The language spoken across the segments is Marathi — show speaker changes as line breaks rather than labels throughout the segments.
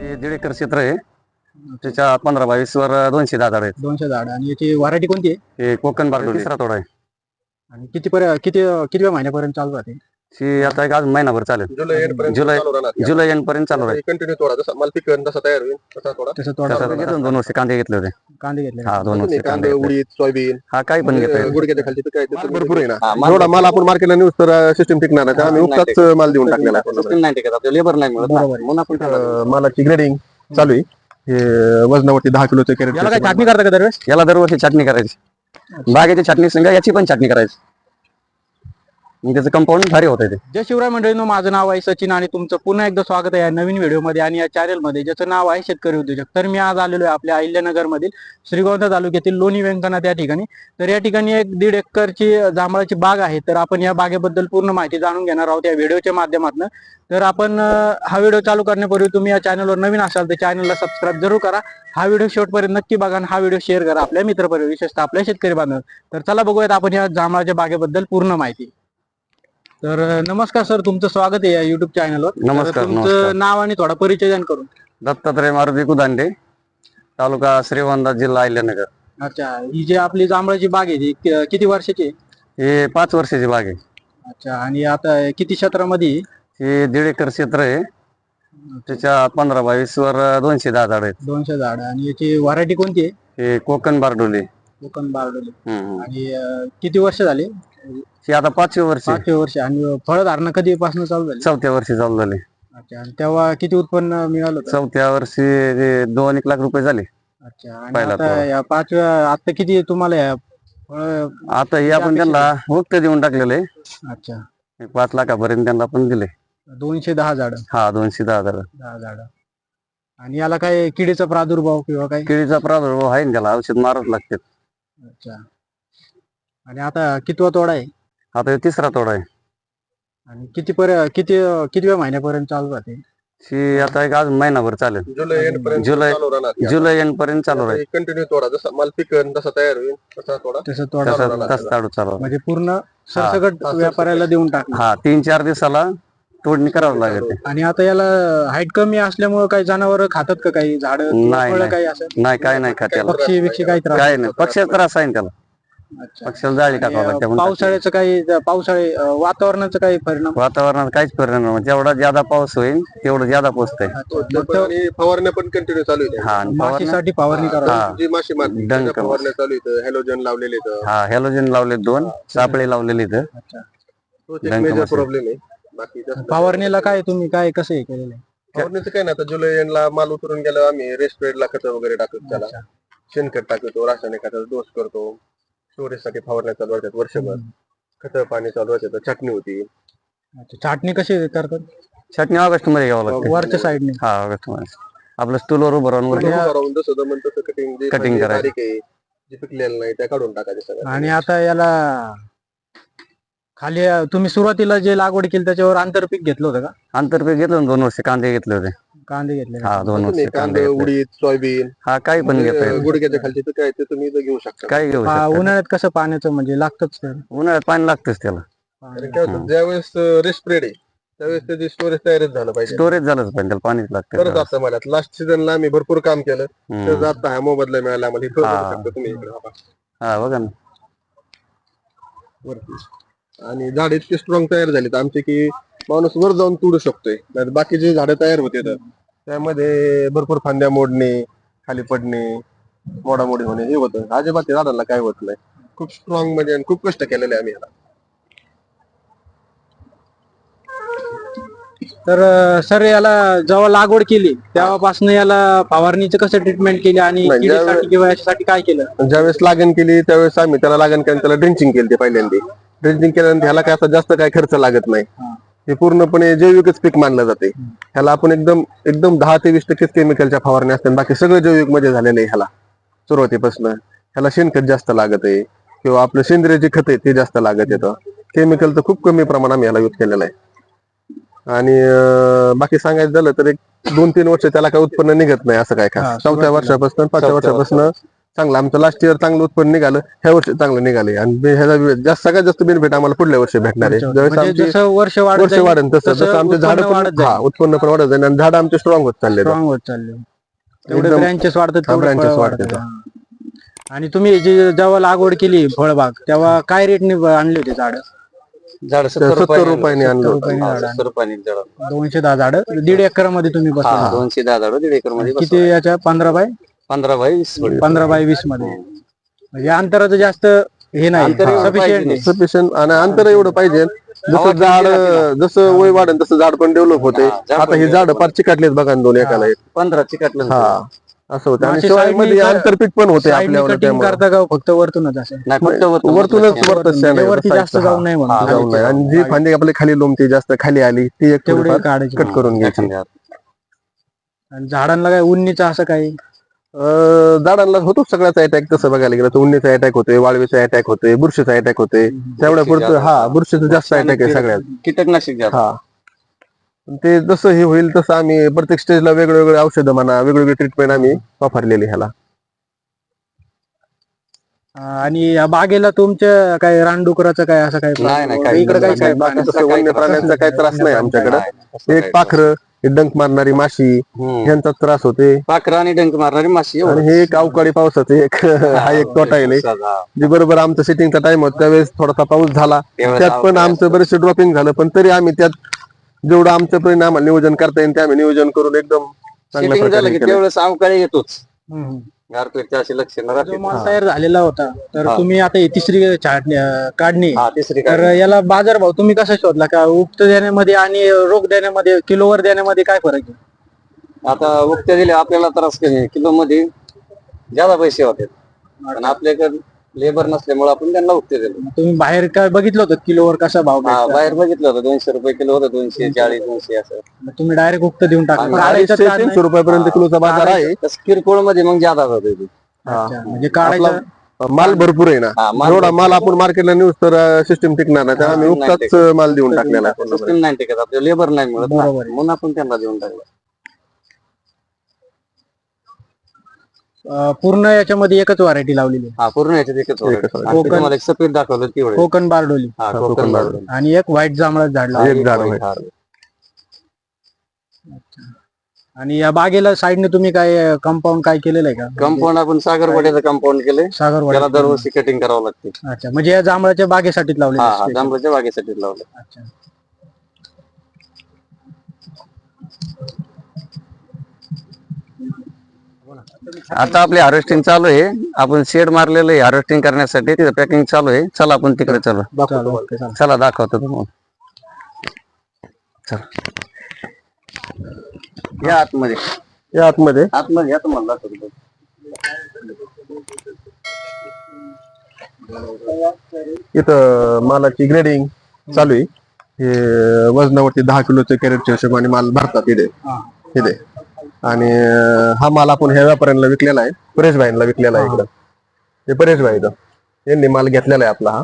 हे 1.5 एकर क्षेत्र आहे. त्याच्या 15-22 वर 210 झाड आहेत.
200 झाड. आणि याची व्हरायटी कोणती आहे?
हे कोकण बारडोली तिसरा तोडा आहे.
आणि किती महिन्यापर्यंत चालू राहते?
ही आता एक अजून महिनाभर चालेल.
जुलै एंड पर्यंत
जुलै
चालू राहणार.
जुलै एंड पर्यंत चालू राहील.
कंटिन्यू तोडा, जसा माल पिकन तसा तयार होईल तसा तोडा.
तसं थोडा
तसं घेतलं 2 वर्ष कांदे घेतले होते.
कांदे घेतले.
हा 2 वर्ष
कांदे,
कांदे घेतले.
उडीद, सोयाबीन,
हा काही पण घेता येईल.
गुडघ्याच्या खालची पिकं आहेत, त्याचं भरपूर आहे ना.
माल
एवढा माल आपण मार्केटला नेऊ तर सिस्टम टिकणार नाही. त्यामुळे आम्ही उक्ताच माल देऊन टाकलेला आहे.
System नाही टिकत, आपल्याला लेबर नाही मिळत ना.
बरोबर आहे.
म्हणून आपण त्याला-
मालाची ग्रेडिंग चालू आहे. हे वजनावरती 10 किलोचे कॅरेट.
याला काय छाटणी करता का दरवेळेस?
याला दरवर्षी छाटणी करायची. बागेची छाटणी संग याची पण छाटणी करायची. मग त्याचं कंपाऊंड भारी होत आहे.
जय शिवराय मंडळींनो, माझं नाव आहे सचिन आणि तुमचं पुन्हा एकदा स्वागत आहे या नवीन व्हिडिओमध्ये आणि या चॅनलमध्ये, ज्याचं नाव आहे शेतकरी उद्योजक. तर मी आज आलेलो आहे आपल्या अहिल्यानगर मधील श्रीगोंदा तालुक्यातील लोणी व्यंकनाथ या ठिकाणी. तर या ठिकाणी एक 1.5 एकरची जांभळाची बाग आहे. तर आपण या बागेबद्दल पूर्ण माहिती जाणून घेणार आहोत या व्हिडिओच्या माध्यमातून. तर आपण हा व्हिडिओ चालू करण्यापूर्वी तुम्ही या चॅनलवर नवीन असाल तर चॅनलला सबस्क्राईब जरूर करा. हा व्हिडिओ शेवटपर्यंत नक्की बघा आणि हा व्हिडिओ शेअर करा आपल्या मित्रपरिवार, विशेषतः आपल्या शेतकरी बांधव. तर चला बघूयात आपण या जांभळाच्या बागेबद्दल पूर्ण माहिती. तर नमस्कार सर, तुमचं स्वागत आहे या युट्यूब चॅनलवर.
नमस्कार,
तुमचं
नमस्कार.
नाव आणि थोडा परिचय द्या करून.
दत्तात्रय मारुती कुदांडे, तालुका श्रीगोंदा, जिल्हा अहिल्यानगर.
अच्छा, ही जी आपली जांभळाची बाग आहे ती किती वर्षाची आहे?
हे 5 वर्षाची बाग आहे.
अच्छा, आणि आता किती क्षेत्रामध्ये आहे?
हे 1.5 एकर क्षेत्र आहे. त्याच्या 15-22 वर 210 झाड आहेत.
200 झाड. आणि याची व्हरायटी कोणती आहे?
हे कोकण बारडोली.
कोकण बारडोली.
हम्म.
आणि किती वर्ष झाले?
हे आता 5वे वर्ष,
5 वर्ष. आणि फळधारणा कधीपासून चालू झाली?
4थ्या वर्षी चालू झाले.
अच्छा, आणि तेव्हा किती उत्पन्न मिळालं होतं?
4थ्या वर्षी 2-1 लाख रुपये झाले.
अच्छा, आणि
पहिला
आता
तोडा.
या 5व्या आता किती तुम्हाला या फळ?
आता हे आपण त्यांना वक्त देऊन टाकलेलं आहे.
अच्छा,
5 लाखापर्यंत त्यांना आपण दिले.
210 झाड.
हा 210 झाड.
10 झाड. आणि याला काय किडीचा प्रादुर्भाव किंवा काय?
केळीचा प्रादुर्भाव आहे ना, त्याला औषध मारावं लागते.
अच्छा, आणि आता कितवा तोडा आहे?
आता हे 3रा तोडा आहे.
आणि कितव्या महिन्यापर्यंत चालू राहते?
ही आता एक अजून महिनाभर चालेल.
जुलै एंड पर्यंत
जुलै-
चालू राहणार.
जुलै एंड पर्यंत चालू राहील.
कंटिन्यू तोडा, जसा माल पिकन तसा तयार होईल तसा तोडा.
तसं तोडा.
तसं चालू चालू.
म्हणजे पूर्ण सरसकट
हा,
व्यापाऱ्याला देऊन टाक.
हा 3-4 दिवसाला तोडणी करावं लागेल.
आणि आता याला हाईट कमी असल्यामुळे काही जनावर खातात का, काही झाड
नाही,
फळं
नाही.
काही असं?
नाही काय नाही खात त्याला.
पक्षी बिक्षी काही त्रास?
काय नाही, पक्षाचा त्रास आहे ना त्याला.
अच्छा.
पक्षाला जाळी टाकावं लागते.
आणि
म्हणून
पावसाळ्याचं काही वातावरणाचं काही परिणाम?
वातावरणात काहीच परिणाम नाही. जेवढा ज्यादा पाऊस होईल तेवढं ज्यादा पोचतंय.
आणि फवारण्या पण कंटिन्यू चालू आहे.
हा आणि फवारणी-
माशीसाठी फवारणी करा.
हा.
जी माशी मारते
डंक
त्याच्या फवारण्या चालू आहेत. हॅलोजन लावलेले आहेत.
हा हॅलोजन लावले 2 सापळे लावलेले इथं.
अच्छा,
तोच एक
डंक
मेजर
माशी.
प्रॉब्लेम आहे. बाकी जास्त
फवारणीला काय तुम्ही काय कसं हे केलेलं आहे?
फवारणीचं काय नाही. आता जुलै एंडला माल उतरून गेला, आम्ही रेस्टोरेंटला खतं वगैरे टाकतो, त्याला
अच्छा.
शेणखत टाकतो, रासायनिक खताचा डोस करतो, स्टोरेजसाठी फवारण्या चालू राहतात वर्षभर. खतं पाणी चालू राहतात, चटणी होती.
अच्छा, छाटणी कशी करतात?
छाटणी ऑगस्ट मध्ये घ्यावं लागते.
वरच्या साईडने?
हा ऑगस्ट मध्ये आपलं स्टूलवर उभं राहून वरती
उभं राहून जसं जमन तसं कटिंग, जे
Cutting करायचं.
बारीक आहे, जे पिकलेलं नाही त्या काढून टाकायचे सगळं.
आणि आता याला खाली तुम्ही सुरुवातीला जे लागवड केली त्याच्यावर आंतरपीक घेतलं होतं का?
आंतरपीक घेतलं ना, 2 वर्ष कांदे घेतले होते.
कांदे घेतले?
हा 2 वर्ष
तुम्ही
कांदे
कांदे,
घेतले.
उडीद, सोयाबीन,
हा काही पण घेता येईल.
गुडघ्याच्या खालची पिकं आहेत ते तुम्ही इथं घेऊ शकता.
काही घेऊ शकता.
उन्हाळ्यात कसं पाण्याचं म्हणजे लागतच तर?
उन्हाळ्यात पाणी लागतच त्याला.
कारण काय होतं, ज्यावेळेस रेस्प्रेड आहे त्यावेळेस त्याची स्टोरेज तयारच झालं पाहिजे.
स्टोरेज झालंच पण त्याला पाणीच
करत
लागतं.
असतं मला लास्ट सीझनला आम्ही भरपूर काम केलं.
हम्म.
तर आता हा मोबदला मिळाला आम्हाला. इथं
हा.
बघू शकता तुम्ही इकडे हा पहा,
हा बघा ना.
वरती. आणि झाड इतके स्ट्रॉंग तयार झालेत आमचे की माणूस वर जाऊन तोडू शकतोय. नाहीतर बाकीचे झाडं तयार होते तर त्यामध्ये भरपूर फांद्या मोडणे, खाली पडणे, मोडामोडी होणे हे होतं. अजिबात त्या झाडाला काय होत नाही. खूप स्ट्रॉंग म्हणजे आणि खूप कष्ट केलेले आम्ही याला.
तर सर याला जेव्हा लागवड केली तेव्हापासून याला फवारणीचं कसं ट्रीटमेंट केली आणि
नाही,
किडीसाठी किंवा याच्यासाठी काय केलं?
ज्यावेळेस लागण केली त्यावेळेस आम्ही त्याला लागण केली, त्याला ड्रिंचिंग केली ते पहिल्यांदा. ड्रिंचिंग केल्यानंतर ह्याला काय आता जास्त काय खर्च लागत नाही. हे पूर्णपणे जैविकच पीक मानलं जाते. ह्याला आपण एकदम एकदम 10 ते 20% केमिकलच्या फवारण्या असतात, बाकी सगळं जैविक मध्ये झालेलं आहे. ह्याला सुरुवातीपासून ह्याला शेणखत जास्त लागत आहे किंवा आपलं सेंद्रिय जे खत आहे ते जास्त लागत येतं. केमिकल तर खूप कमी प्रमाणात आम्ही ह्याला यूज केलेलं आहे. आणि बाकी सांगायचं झालं तर एक 2-3 वर्ष त्याला काय उत्पन्न निघत नाही असं काय
हा,
खास. 4थ्या वर्षापासून 5व्या वर्षापासून चांगलं आमचं लास्ट इयर चांगलं उत्पन्न निघालं, ह्या वर्षी चांगलं निघाले आणि ह्याचा सगळ्यात जास्त बेनिफिट आम्हाला पुढल्या वर्षी भेटणार आहे. ज्यावेळेस
म्हणजे
आमची
जसं वर्ष वाढत
वर्ष
जाईल,
वाढेल तसं
तसं
तसं आमचे झाड
उत्पन्न वाढत
हा उत्पन्न पण वाढत जाईल आणि झाड आमचे स्ट्रॉंग होत चालले.
स्ट्रॉंग होत चालले, तेवढे
एकदम-
ब्रँचेस वाढतात, तेवढे
branches
फळं
वाढतात.
वाढतात. हा. आणि तुम्ही जेव्हा लागवड केली फळबाग तेव्हा काय रेटने आणले होते झाड?
झाड
70 रुपयाने आणलं होतं.
रुपयाने झाड
70 रुपयाने झाड
210 झाड 1.5 एकर मध्ये तुम्ही
हा
बसवलं.
210 झाड 1.5 एकर मध्ये
किती याच्या 15 बाय
15 बाय 20 थोडी.
15 बाय 20 मध्ये, म्हणजे अंतराचं जास्त हे नाही,
अंतर एवढं
sufficient
पाहिजे
आहे.
सफिशियंट आणि अंतर एवढं पाहिजे
हवा
जसं झाड
ठेवली राहते
जसं वय वाढेल तसं झाड पण डेव्हलप होते.
हा, झाड
आता
पण
हे झाड
develop
फार चिकाटलेत बघा ना, दोन एकाला एक.
15 चिकटलं
हा असं होतं आणि
अशी
शिवाय
side
मध्ये
नी
आंतरपीक पण होते
साईडनी
आपल्यावर.
कटिंग करता का फक्त वरतूनच असं?
नाही फक्त
वरतूनच
म्हणजे वरती जास्त जाऊ नये म्हणून.
जाऊ नये आणि जी फांदी आपल्या खाली लोंबती जास्त खाली आली ती एक
तेवढे
थोडीफार
काढायचे.
कट करून घ्यायची.
आणि झाडांना काय उन्नीचं असं काही?
झाडांना होतो सगळ्याचा अटॅक. तसं बघायला गेलं तर उन्नीचा अटॅक होतोय, वाळवीचा अटॅक होतोय, बुरशीचा अटॅक होतोय. तेवढ्या पुरतं हा बुरशीचा जास्त अटॅक आहे सगळ्यात.
कीटकनाशक जास्त.
हा ते जसं हे होईल तसं आम्ही प्रत्येक स्टेजला वेगवेगळे औषधं म्हणा, वेगवेगळी ट्रीटमेंट आम्ही वापरलेली ह्याला.
आणि या बागेला तुमच्या काय रानडुकराचं काय असं काय
नाही, नाही, काही
इकडे काही
बाकी
काय
तसं वन्य प्राण्यांचा काही त्रास नाही आमच्याकडे. एक पाखरं, एक डंक मारणारी माशी ह्यांचा त्रास होते
पाखरं आणि डंक मारणारी माशी
आणि हे एक अवकाळी पावसाचं एक हा एक तोटा आहे. जे बरोबर आमचं सेटिंगचा टाइम होता त्यावेळेस थोडासा पाऊस झाला, त्यात पण आमचं बरेचसे ड्रॉपिंग झालं, पण तरी आम्ही त्यात जेवढं आमचं परिणाम आम्हाला नियोजन करता येईल ते आम्ही नियोजन करून एकदम चांगल्या
झालं
प्रकारे
की
केलं.
त्यावेळेस अवकाळी येतोच.
हम्म.
गारपीटच्या अशी लक्षणं
जो
राहते.
माल तयार झालेला होता तर तुम्ही आता ही तिसरी काढणी,
हा तिसरी
तर याला बाजारभाव तुम्ही कसा शोधला? का उक्त देण्यामध्ये आणि रोख देण्यामध्ये, किलोवर देण्यामध्ये काय फरक आहे?
आता उक्त्या दिल्या आपल्याला त्रास कमी, किलो मध्ये ज्यादा पैसे होते पण आपल्याकडे लेबर नसल्यामुळे आपण त्यांना उक्ते दिले.
तुम्ही बाहेर काय बघितलं होतं किलोवर कसा भाव
हा
भेटतो?
बाहेर बघितलं होतं 200 रुपये किलो होतं, 240 200 असं.
तुम्ही डायरेक्ट उक्त देऊन टाकलं?
250-300 रुपयापर्यंत किलोचा बाजार आहे.
तसं किरकोळ मध्ये मग ज्यादा होते ते.
म्हणजे काढायचं
माल भरपूर आहे ना,
हा, माल
एवढा माल आपण मार्केटला नेऊस तर सिस्टम टिकणार नाही, त्यामुळे आम्ही
नाही
उक्ताच माल देऊन टाकलेला आहे.
सिस्टम नाही टिकत, आपल्याला लेबर नाही मिळत ना.
बरोबर आहे.
म्हणून आपण त्यांना देऊन टाकलं.
पूर्ण याच्यामध्ये एकच व्हरायटी लावलेली आहे.
हा पूर्ण याच्यात एकच
एकच
आणि ते तुम्हाला एक सफेद दाखवलं तेवढे.
कोकण बारडोली
हा कोकण बारडोली.
आणि एक व्हाईट जांभळा झाड लावलं.
एक झाड
white
आहे.
हार.
आणि या बागेला साईडने तुम्ही काय कंपाऊंड काय केलेलं आहे का?
कंपाऊंड आपण सागरवाड्याचं कंपाऊंड केलंय.
सागरवाडी.
त्याला दरवर्षी कटिंग करावं लागते.
अच्छा, म्हणजे या जांभळाच्या बागेसाठीच लावलेलं
हा
आहे
हा
special.
जांभळाच्या बागेसाठी लावलं.
अच्छा.
आता आपली हार्वेस्टिंग चालू आहे. आपण शेड मारलेलं आहे हार्वेस्टिंग करण्यासाठी, तिथं पॅकिंग चालू आहे. चला आपण तिकडे चला.
चालेल, ओके, चालेल.
चला दाखवतो तुम्हाला. चला या आतमध्ये,
या आतमध्ये
आतमध्ये या तुम्हाला दाखवतो.
इथं मालाची ग्रेडिंग चालू आहे. हे वजनावरती 10 किलोचे कॅरेटच्या हिशोबाने माल भरतात इथे इथे. आणि हा माल आपण ह्या व्यापाऱ्यांना विकलेला आहे, परेश भाईंना विकलेला आहे. इकडं हे परेश भाई यांनी माल घेतलेला आहे आपला. हा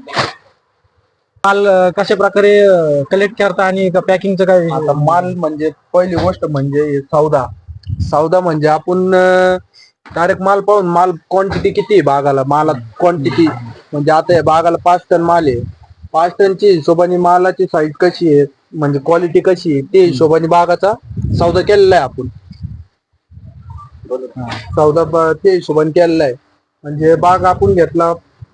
माल कशा प्रकारे कलेक्ट करता आणि पॅकिंगचं काय?
आता माल म्हणजे पहिली गोष्ट म्हणजे हे सौदा म्हणजे आपण डायरेक्ट माल पाहून, माल क्वांटिटी किती आहे बागाला, मालात क्वांटिटी म्हणजे आता या बागाला 5 टन माल आहे, 5 टनची हिशोबाने मालाची साईज कशी आहे म्हणजे क्वालिटी कशी आहे ते हिशोबाने बागाचा सौदा केलेला आहे आपण. ते हिशोबाने केलेला आहे. म्हणजे बाग आपण घेतला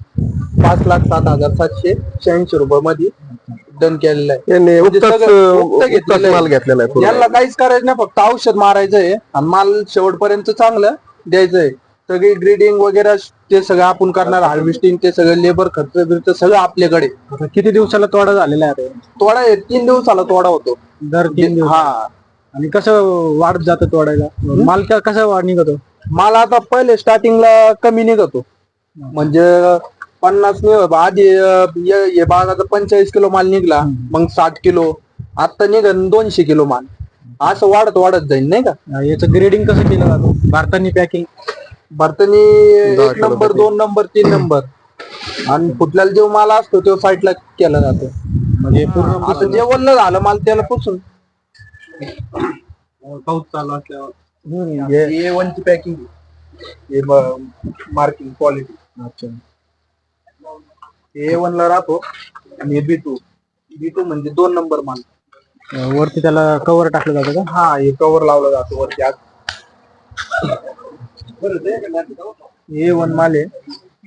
5,07,786 रुपये मध्ये डन केलेला आहे.
यांनी
म्हणजे
उक्ताच
सगळं उक्त घेतलेलं आहे.
माल घेतलेला आहे पूर्ण.
यांना काहीच करायचं नाही, फक्त औषध मारायचंय आणि माल शेवटपर्यंत चांगलं द्यायचंय. सगळी ग्रीडिंग वगैरे ते सगळं आपण करणार, हार्वेस्टिंग ते सगळं लेबर खर्च बिर्च सगळं आपल्याकडे.
किती दिवसाला तोडा झालेला आहे?
तोडा 3 दिवसाला तोडा होतो.
दर 3 दिवस.
हा,
आणि कसं वाढत जातं तोडायला? माल कसा वाढ निघतो?
माल आता पहिले स्टार्टिंगला कमी निघतो, म्हणजे 50 आधी हे बागाचा 45 किलो माल निघला, मग 60 किलो, आता निघन 200 किलो माल. असं वाढत वाढत जाईल नाही का.
याचं ग्रेडिंग कसं केलं जातं? भारतानी पॅकिंग
भारतानी 1 नंबर 2 नंबर 3 नंबर आणि फुटल्याला जो माल असतो तो साईडला केला जातो.
म्हणजे पूर्ण
आता जे वल्ल झालं माल त्याला पुसून
पाऊस चालू असल्यावर
A1 ची पॅकिंग हे मार्किंग क्वालिटी.
अच्छा.
A1 ला राहतो आणि B2 म्हणजे 2 नंबर माल.
वरती त्याला कव्हर टाकलं जातं का?
हा, हे कव्हर लावलं जातं वरती आज. A1 माल आहे.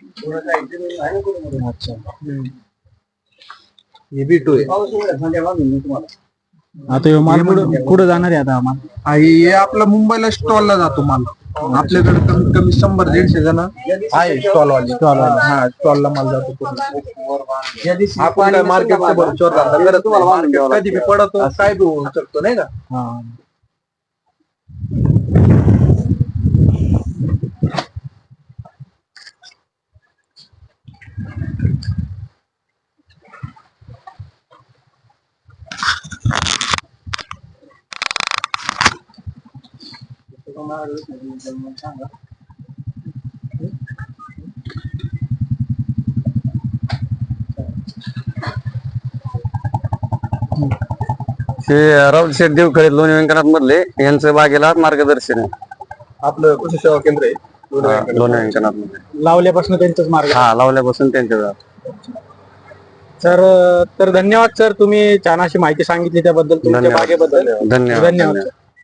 अच्छा.
हे B2 आहे.
आता ह्यो माल कुठं जाणार आहे आता आम्हाला?
हे आपला मुंबईला स्टॉलला जातो माल. आपल्याकडे कमीत कमी 100-150 जण आहे स्टॉलवाले. हा, स्टॉलला माल जातो पूर्ण. आपण काय मार्केटचा भरचोर धंदा करत नाही. मार्केट कधी बी पडतो, काय बी होऊ शकतो नाही का.
हा.
हे राहुल शेठ देवखळे लोणी व्यंकनाथ मधले यांचं बागेला मार्गदर्शन आहे.
आपलं कृषी सेवा केंद्र आहे
लोणी व्यंकनाथ मध्ये.
लावल्यापासून त्यांचंच मार्ग.
हा, लावल्यापासून त्यांच्या.
तर धन्यवाद सर, तुम्ही छान अशी माहिती सांगितली त्याबद्दल, तुमच्या
धन्यवाद.
बागेबद्दल.
धन्यवाद.
धन्यवाद.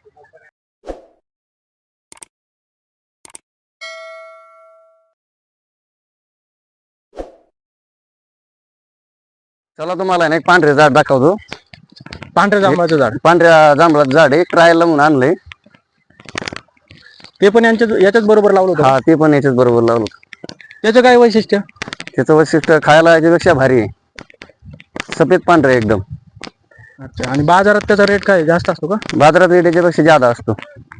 चला तुम्हाला ना एक पांढरे झाड दाखवतो.
पांढऱ्या जांभळाचं झाड,
पांढऱ्या जांभळाचं झाड आहे, ट्रायलला म्हणून आणलंय.
ते पण याच्याच बरोबर लावलं होतं.
हा, ते पण याच्याच बरोबर लावलं.
त्याचं काय वैशिष्ट्य?
त्याचं वैशिष्ट्य खायला याच्यापेक्षा भारी आहे. सफेद पांढरं आहे एकदम.
अच्छा. आणि बाजारात त्याचा रेट काय जास्त असतो का?
बाजारात रेट याच्यापेक्षा जादा असतो.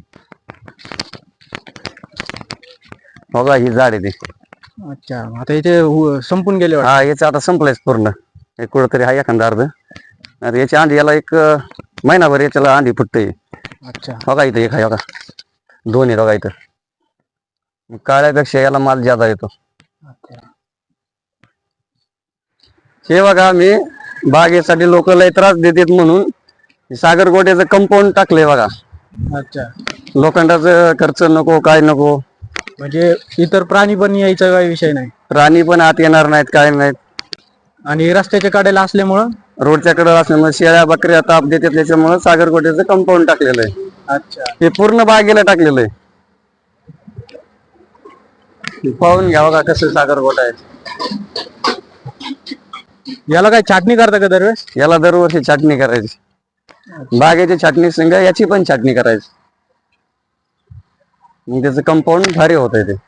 बघा, ही झाड आहे ती.
अच्छा. आता इथे संपून गेले वाटतं.
हा, याचं आता संपलंयच पूर्ण. एक कुठंतरी हा एखादा अर्ध. आता याची अंडी याला एक महिनाभर याच्याला अंडी फुटते.
अच्छा.
बघा इथं एक आहे, बघा 2 आहे बघा इथं. मग काळ्यापेक्षा याला माल ज्यादा येतो. हे बघा, मी बागेसाठी लोक लय त्रास देतात म्हणून सागर गोट्याचं कंपाऊंड टाकलंय बघा.
अच्छा.
लोखंडाचं खर्च नको, काय नको.
म्हणजे इतर प्राणी पण यायचा काही विषय नाही.
प्राणी पण आत येणार नाहीत, काय नाहीत.
आणि रस्त्याच्या कडेला असल्यामुळं,
रोडच्या कडे असल्यामुळे शेळ्या बकऱ्या ताप देतात, त्याच्यामुळे सागर गोट्याचं कंपाऊंड टाकलेलं आहे.
अच्छा.
हे पूर्ण बागेला टाकलेलं आहे. पाहून घ्या बघा कसं सागर गोटा आहे.
याला काय छाटणी करता का दरवेळेस?
याला दरवर्षी छाटणी करायची. बागेची छाटणी संग याची पण छाटणी करायची. मग त्याचं कंपाऊंड भारी होत आहे ते.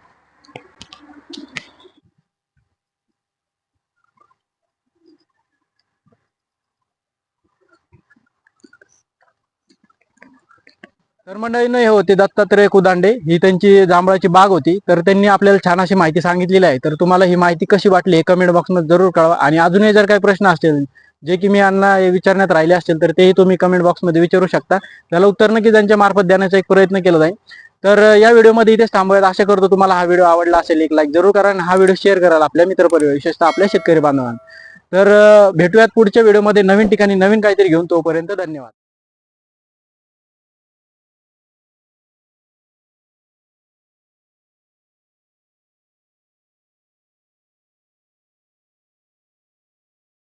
तर मंडळीनं, हे होते दत्तात्रय कुदांडे. ही त्यांची जांभळाची बाग होती. तर त्यांनी आपल्याला छान अशी माहिती सांगितलेली आहे. तर तुम्हाला ही माहिती कशी वाटली हे कमेंट बॉक्समध्ये जरूर कळवा. आणि अजूनही जर काही प्रश्न असतील जे की मी यांना विचारण्यात राहिले असतील तर तेही तुम्ही कमेंट बॉक्समध्ये विचारू शकता. त्याला उत्तर नक्की त्यांच्या मार्फत देण्याचा एक प्रयत्न केला जाईल. तर या व्हिडिओमध्ये इथेच थांबूयात. आशा करतो तुम्हाला हा व्हिडिओ आवडला असेल. एक लाईक जरूर करा आणि हा व्हिडिओ शेअर कराल आपल्या मित्रपरिवार, विशेषतः आपल्या शेतकरी बांधवांना. तर भेटूयात पुढच्या व्हिडिओमध्ये नवीन ठिकाणी नवीन काहीतरी घेऊन. तोपर्यंत धन्यवाद.